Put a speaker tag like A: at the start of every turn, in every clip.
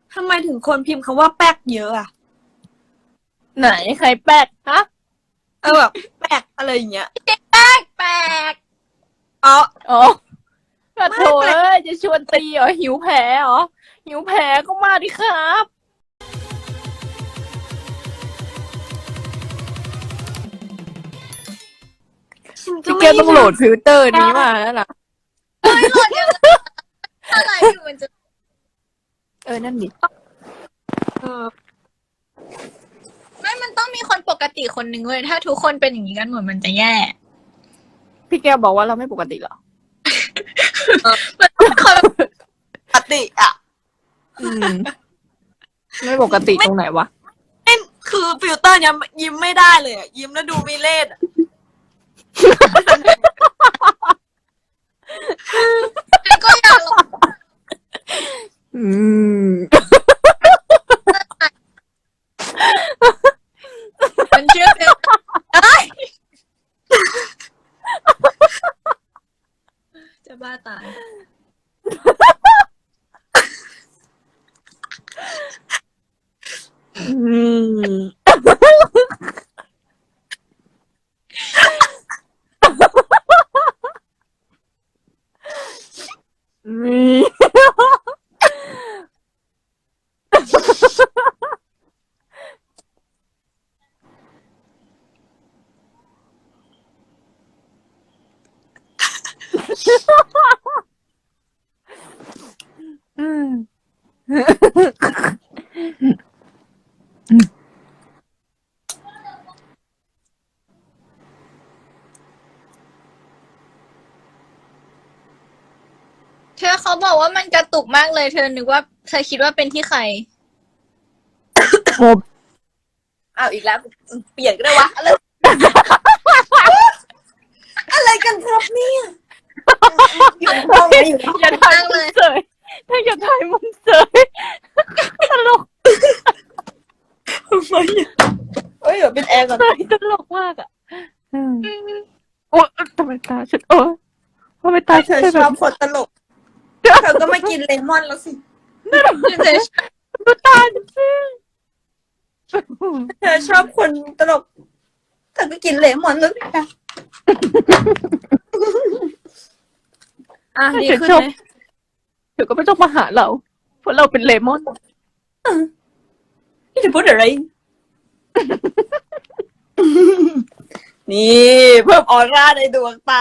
A: ทำไมถึงคนพิมพ์คำว่าแป๊กเยอะอ่ะ
B: ไหนใครแป๊กฮะ
A: แบบแป๊กอะไรอย่างเงี้ย
C: แปลก
A: อ๋อ
B: กระโถเอ้ยจะชวนตีเหรอหิวแผลเหรอหิวแผลก็มาดิครับพี่แกต้องโหลดฟิลเตอร์นี้มาแล้วนะ
C: อะไรอยู่มันจะ
B: นั่นดิ
C: ไม่มันต้องมีคนปกติคนหนึ่งเว้ยถ้าทุกคนเป็นอย่างนี้กันหมดมันจะแย่
B: พี่แกบอกว่าเราไม่ปกติเหรอ
C: คน
A: ปกติอ่ะ
B: ไม่ปกติตรงไหนวะ
A: คือฟิลเตอร์เนี้ยยิ้มไม่ได้เลยอ่ะยิ้มแล้วดูมีเล่ห์
C: ก็อยากลองมันเชื่อเลยจะบ้าตายเธอเขาบอกว่ามันกระตุกมากเลยเธอนึกว่าเธอคิดว่าเป็นที่ใคร
A: อ้าวอีกแล้วเปลี่ยนก็ได้วะอะไรกันครับเนี่ยอยู่ห้องไหนอยู่
B: อย่าถ่ายมุมเสยถ้าอย่าถ่ายมุมเสยตลก
A: ทำไมเฮ้ยเดี๋ยวเป็นแอร์ก่อน
B: ตลกมากอ่ะโอ้ทำไมตาฉันทำไมตา
A: เธอชอบคนตลกเธอก็มากินเลมอนแล้วสิ
B: ดูตาฉันสิ
A: เธอชอบคนตลกเธอก็กินเลมอนแล้วสิค่ะดีขึ้นไหม
B: เดี๋ยวก็ไม่ต้องมาหาเราเพราะเราเป็นเลมอน
A: นี่จะพูดอะไรนี่เพิ่มออร่าในดวงตา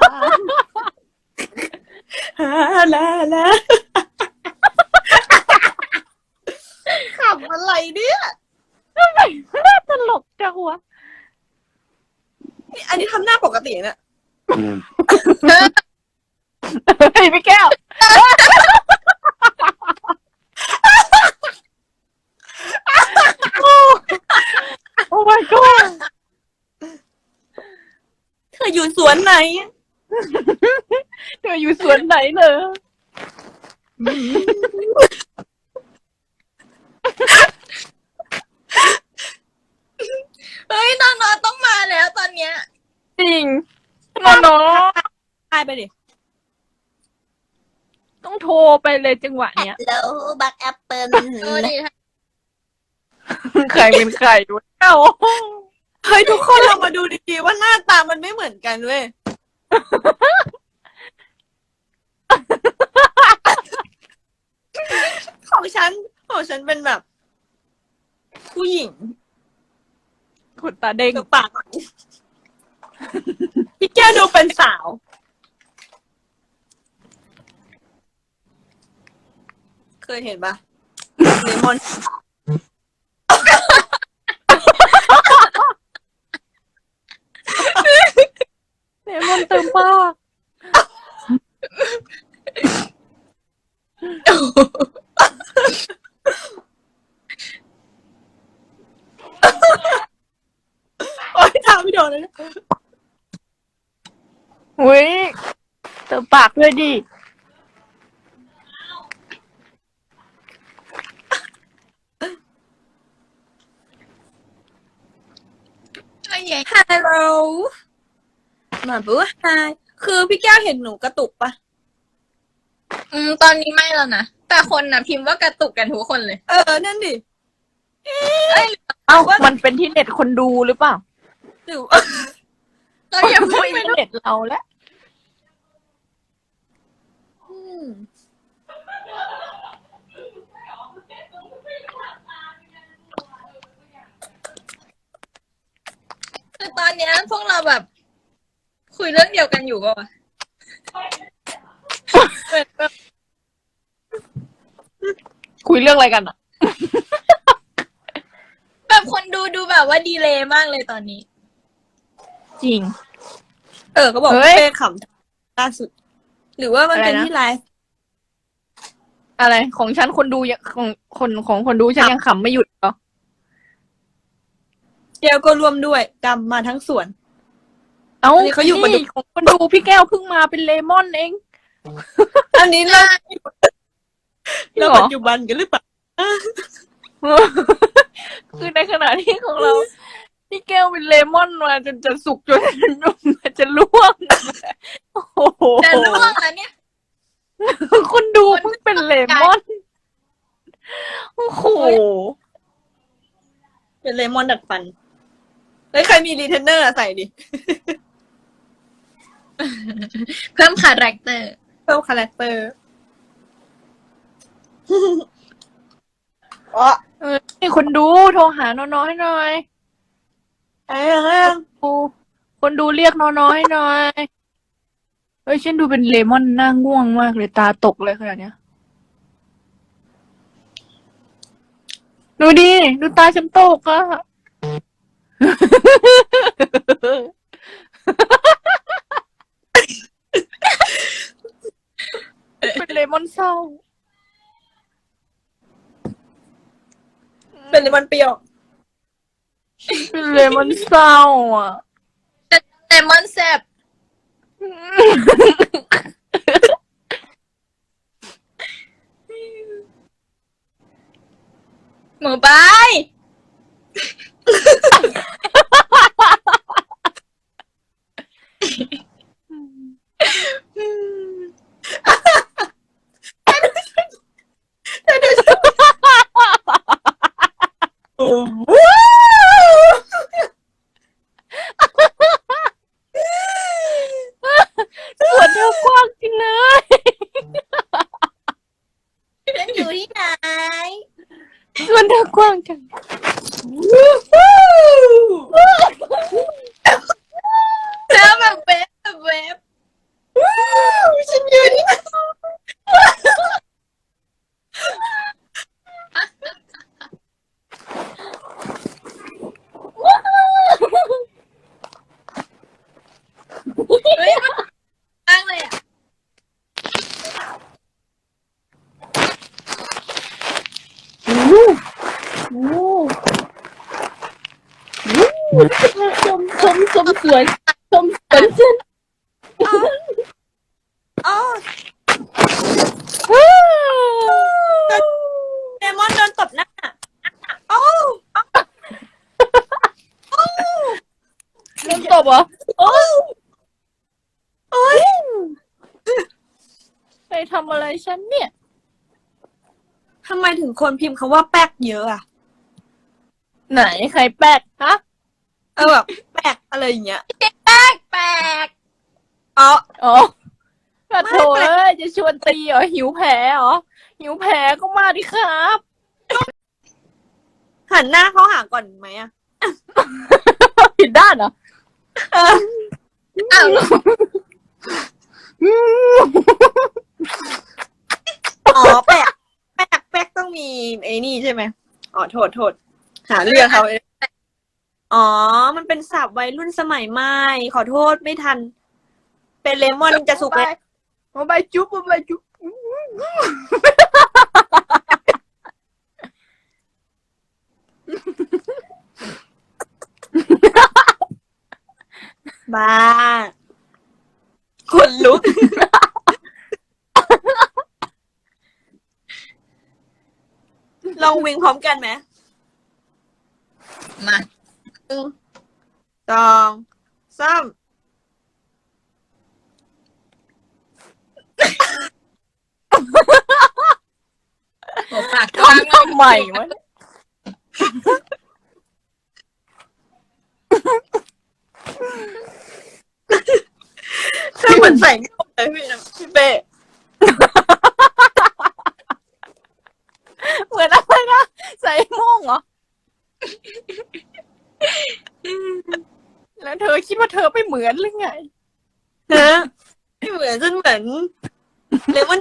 A: ลาขำอะไรเนี่ย
B: น่าตลกจังวะ
A: อันนี้ทำหน้าปกติเนี่ย
B: เฮ้ยพี่แก้วโอ้ my god
A: เธออยู่สวนไหน
B: เธออยู่สวนไหนเลย
C: เฮ้ยน้องๆต้องมาแล้วตอนเนี้ย
B: จริงน้อง
A: ตายไปดิ
B: ต้องโทรไปเลยจังหวะเนี้ย
C: แล้วบักแอปเปิลดิ
B: ใครเป็นใครวะเอ้า
A: เฮ้ยทุกคนเรามาดูดีๆว่าหน้าตามันไม่เหมือนกันเว้ยของฉันเป็นแบบผู้หญิง
B: ขนตาเด้ง
A: ปากพี่แก้วดูเป็นสาวเคยเห็นปะเลมอน
B: เติมปาก
A: โอ๊ยทำไม่โดนเลยนะ
B: อุ้ยเติมปากด้วยดิ
A: ฮัลโหลมาบูไฮคือพี่แก้วเห็นหนูกระตุกปะ
C: ตอนนี้ไม่แล้วนะแต่แต่คนน่ะพิมพ์ว่ากระตุกกันทุกคนเลย
A: นั่นดิ
B: เอ้ามันเป็นที่เน็ตคนดูหรือเปล่า
A: หรือ
C: เราอย่าพูด
B: ไม่เน็ตเราแล้ว
C: คือตอนเนี้ยพวกเราแบบ คุยเรื่องเดียวกันอยู่ป่ะวะ
B: คุยเรื่องอะไรกันอ่ะ
C: แบบคนดูแบบว่าดีเลย์มากเลยตอนนี้
B: จริง
A: ก็บอก
B: เฮ้ย
A: เป้ขำล่าสุด หรือว่ามันเป็น
B: อะไรนะ
A: ที่ไลฟ์
B: อะไรของฉันคนดูยังของคนดูฉันยังขำไม่หยุดเหรอ
A: แก้วก็ร่วมด้วยดำมาทั้งสวน
B: เอ้า
A: อันนี้เขาอยู่มาดู
B: นี่ของคนดูพี่แก้วเพิ่งมาเป็นเลมอนเอง
A: อันนี้เรา
B: จริงเหรอ
A: ปัจจุบันกันหรือเปล่า
B: คือในขณะที่ของเราพี่แก้วเป็นเลมอนมาจนจะสุกจนจะล่วงโอ้โห
C: แต่ล่วงแล้วเนี่ย
B: คนดูเพิ่งเป็นเลมอนโอ้โห
A: เป็นเลมอนดัดฟันเฮ้ยใครมีรีเทนเนอร์ใส่ดิ
C: เพิ่มคาแรคเตอร์
A: เพิ่มคาแรคเตอร์ อ๋อ
B: นี่คนดูโทรหานอนๆให้หน่อย คนดูเรียกนอนๆให้หน่อยเฮ้ยฉันดูเป็นเลมอนหน้าง่วงมากเลยตาตกเลยขนาดเนี้ยดูดิดูตาฉันตกอะเป็นเลมอนเศร้า
A: เป็นเลมอนเปรี้ยว
B: เป็นเลมอนเศร้าอ่ะ
C: แต่มอนแซบหมูบาย
A: โอ้โห
B: ส่วนเธอกว้างจริงเลย
C: ฉันอยู่ที่ไหน
B: ส่วนเธอกว้างจัง
C: เธอแบบเวฟแบบเวฟ
A: ฉันยืนนี่
C: เฮ้ยมันตั้งเลยอ่ะ
B: ชมสวนชมสวนฉัน
A: อ๋อเลมอนโดนตบหน้าโอ้
B: เริ่มตบเหรอ
A: โอ้โอ้ย
B: ไปทำอะไรฉันเนี่ย
A: ทำไมถึงคนพิมพ์คำว่าแป๊กเยอะอ่ะ
B: ไหนใครแป๊กฮะ
A: แบบแป๊กอะไรอย่างเงี้ย
C: แปลก
A: อ๋อ
B: อ๋อกระโถเอ้ยจะชวนตีเหรอหิวแผลเหรอหิวแผลก็มาดิครับ
A: หันหน้าเข้าหาก่อนไหมอ่ะ
B: ผิดด้านเหรอ
C: อ้าว
A: อ๋อแป๊กแป๊กต้องมีไอ้นี่ใช่ไหมอ๋อโทษหาเรื่องเขาอ๋อมันเป็นศัพท์วัยรุ่นสมัยใหม่ขอโทษไม่ทัน เป็นเลมอนจะสุกแล้ว
B: มาใบจุ๊บมาใบจุ๊บ
A: บ้าคนลุก ลองวิ่งพร้อมกันไหม
C: มา
A: 2 3
C: หัวปากกว้าง
B: ทำไมวะ
A: เธอเหมือนใส่ไม่หมดเลยพี่เป้
B: เหมือนอะไรนะใส่โม่งเหรอ แล้วเธอคิดว่าเธอไม่เหมือนหรือไง
A: เธอไม่เหมือนจนเหมือนเลมอน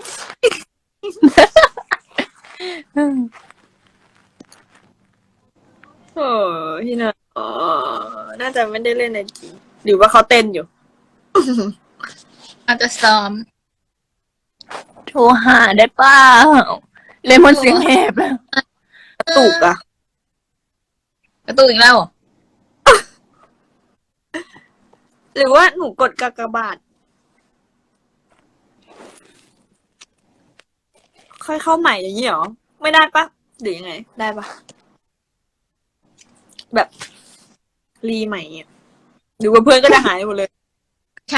A: โอ้พี่นะอ๋อน่าจะไม่ได้เล่นในจริงหรือว่าเขาเต้นอยู่
C: อาจจะซ้อม
B: โทรหาได้เปล่าเลมอนเสียงแหบแล้ว
A: กระตุกอ่ะ
C: กระตุกอีกแล้วเหรอ
A: หรือว่าหนูกดกากบาท ค่อยเข้าใหม่อย่างนี้เหรอ ไม่ได้ปะหรือยังไง ได้ปะแบบรีใหม่อ่ะหรือว่าเพื่อนก็จะหายหมดเลย
C: ใช่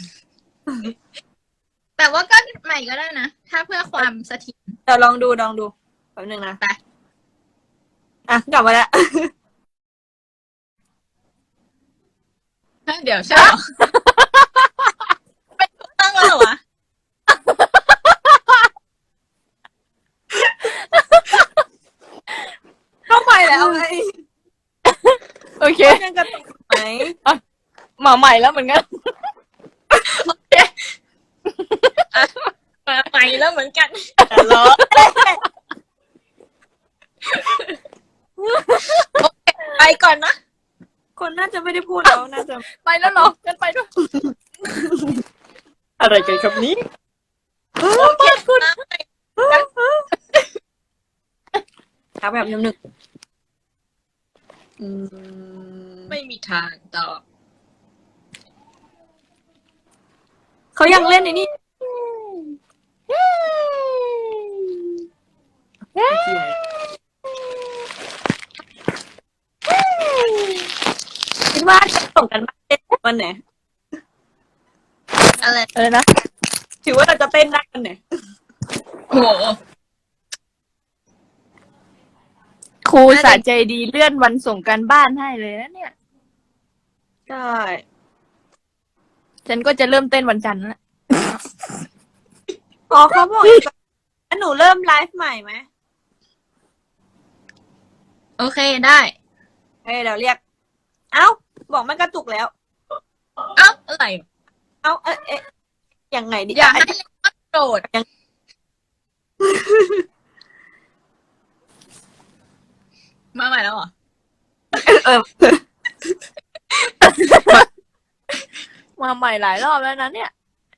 C: แต่ว่าก็ใหม่ก็ได้นะ ถ้าเพื่อความเสถียร
A: เดี๋ยวลองดูแป๊บนึงนะ
C: ไป
A: อ่ะกลับมาแล้ว
C: เดี๋ยวใช่เหรอ เป็นถูกต้องแล้วเหรอวะ
A: เข้าใหม่แล้วไง
B: โอเค
A: ยังกระตุกไหม
B: มาใหม่แล้วเหมือนกัน
C: มาใหม่แล้วเหมือนกัน
A: แต่ล้อ
C: ไปก่อนนะ
A: คนน่าจะไม่ได้พูดแล้วน่าจะ
B: ไปแล้วเหรอกันไปด้วย
A: อะไรกันครับนี้
C: โอเคคุณนะ
A: ครับแบบนึก
C: ไม่มีทางต่อ
A: เขายังเล่นในนี่คิดว่าจะส่งกันบ้านเต้นวันไหน
C: อะไร
B: อะไรนะ
A: ถือว่าเราจะเต้นได้วันไหน
C: โอ้โห
B: ครูสาใจดีเลื่อนวันส่งการบ้านให้เลยนะเนี่ย
A: ใช่
B: ฉันก็จะเริ่มเต้นวันจันทร์แล้ว
A: อ๋อเขาบอกอีกแล้วหนูเริ่มไลฟ์ใหม่ไหม
C: โอเคได้
A: เฮ้ยเดี๋ยวเรียก เอ้า บอกมันกระตุกแล้ว
C: เอ้าอะไร
A: เอ้าเอ๊ะยังไงดี
C: อย่าให้เลมอนโกรธมาใหม่แล้วเหรอ
A: เออ
B: มาใหม่หลายรอบแล้วนะเนี่ย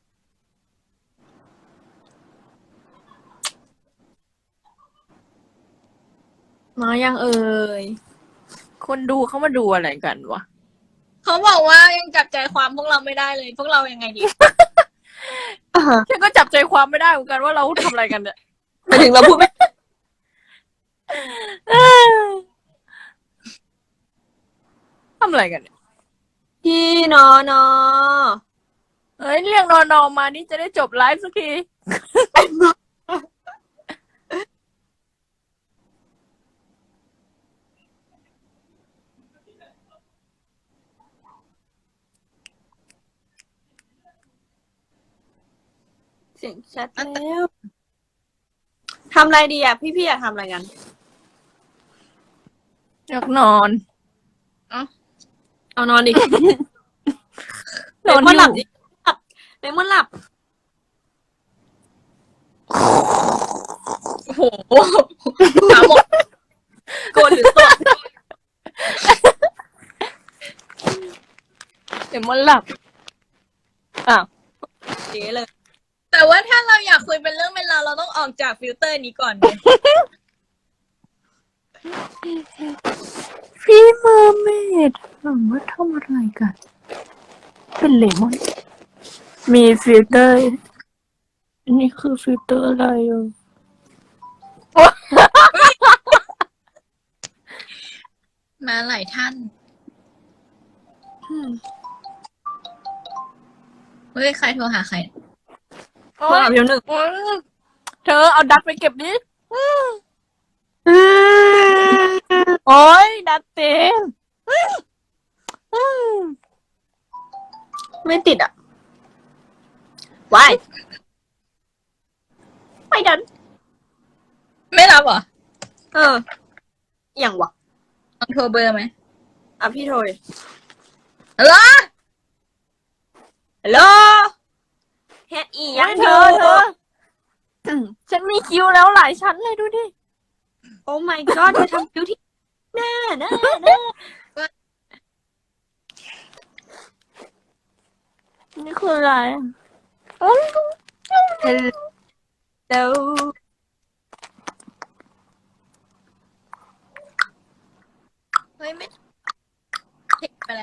A: มายังเอ่ย
B: คนดูเขามาดูอะไรกันวะ
C: เขาบอกว่ายังจับใจความพวกเราไม่ได้เลย พวกเรายังไงดี
B: ฉันก็จับใจความไม่ได้เหมือนกันว่าเราทำอะไรกันเนี่ย
A: หมายถึงเราพูดไม่
B: ทำอะไรกันเนี่ย
A: พี่นอนอ
B: เอ้ยเรียกนอนๆมานี่จะได้จบไลฟ์สักที
A: เสียงชัดแล้วทำอะไรดีอ่ะ พี่อยากทำอะไรกัน
B: อยากนอน
A: เอานอนดิ
B: นอน
A: เลมอนหลับ
B: อยู่
A: ดิหลับเลมอนหลับ
C: โอ้โหหาหมด
A: โกนหรือสด
B: เดี๋ยวมันหลับอ้าว
A: เจ๊เลย
C: แต่ว่าถ้าเราอยากคุยเป็นเรื่องเป็นราวเราต้องออกจากฟิลเตอร์นี้ก่อนเลย
B: พี่เมอร์เมดถามว่าทำอะไรกัน เป็นเลมอน มีฟิลเตอร์ อันนี้คือฟิลเตอร์อะไรอ่ะ
C: มาหลายท่าน เฮ้ย ใครโทรหาใคร
B: โอ๊
A: มาย หลับเดี๋ยวหนึ่ง
B: เธอเอาดักไปเก็บดิดัดเต็ม
A: ไม่ติดอ่ะวายไม่ดัน
C: ไม่รับเหรอ
A: เอออย่างวะ
C: ลองโทรเบอร์ไหม
A: อ่ะพี่โทรดิ
C: ฮัลโหล
A: ฮัลโหลเฮ็ดอีหยังเธอ
B: ฉันมีคิวแล้วหลายชั้นเลยดูดิ
A: โอ้ my god เธอทำคิวที่หน้า
B: นี่คืออะไร
A: ฮัลโหล
C: เฮ้ยไม่เทคไปแล้ว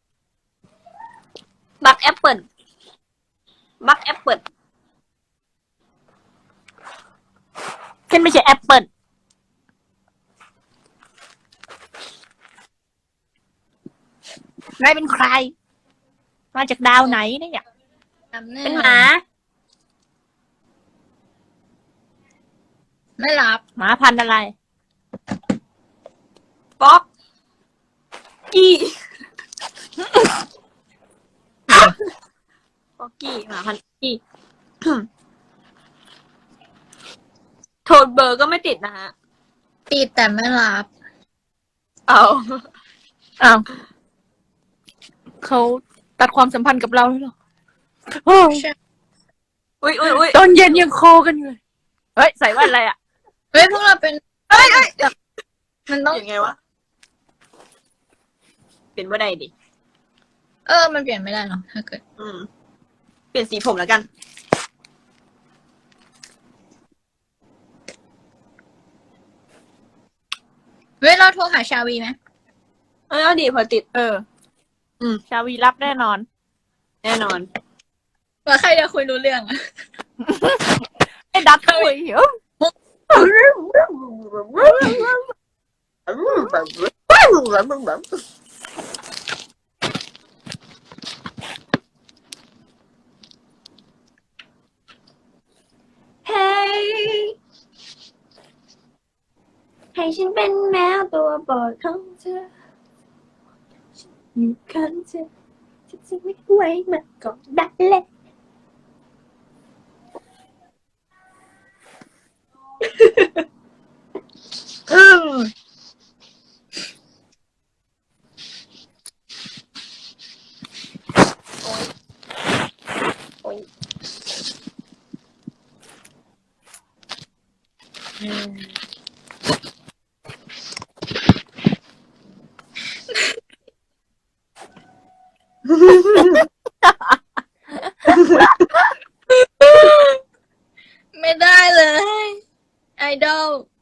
A: บักแอปเปิลบักแอปเปิล
B: ฉันไม่ใช่แอปเปิลนายเป็นใคร มาจากดาวไหนเนี่ย
A: เป็นหมา
C: ไม่รับ
B: หมาพันธุ์อะไร
A: ป๊อกกี้ป๊อกกี้หมาพันธุ์กี้ โทรเบอร์ก็ไม่ติดนะฮะ
C: ติดแต่ไม่รับ
A: เอา
B: อ้าว เขาตัดความสัมพันธ์กับเราแล้วเหรอโอ้ย
A: อุ้ยอุ้ยอุ้ย
B: ตอนเย็นยังโคกันอยู่เลย เฮ้ย ใส่แว่นอะไรอ่ะ
C: เฮ้ยพวกเราเป็น
A: เอ้ยเอ้ย
C: มันต้อง
A: ยังไงวะ เป็นว่าใดดิ
C: มันเปลี่ยนไม่ได้หรอกถ้าเกิด
A: เปลี่ยนสีผมแล้วกัน
C: เฮ้ยเราโทรหาชาวีไหม
A: เอาดีพอติด
B: ชาวีรับแน่นอน
A: แน่นอน
C: ว่าใครจะคุยรู้เรื่องอะ
B: ไอ้ดัดคุยเหรอ
A: เฮ้ยให้ฉันเป็นแมวตัวโปรดของเธออยู่ข้างเธอฉันจะไม่ไหวมันก็ได้เลยโอ้ย
C: ไม่ได้เลย ไอดอล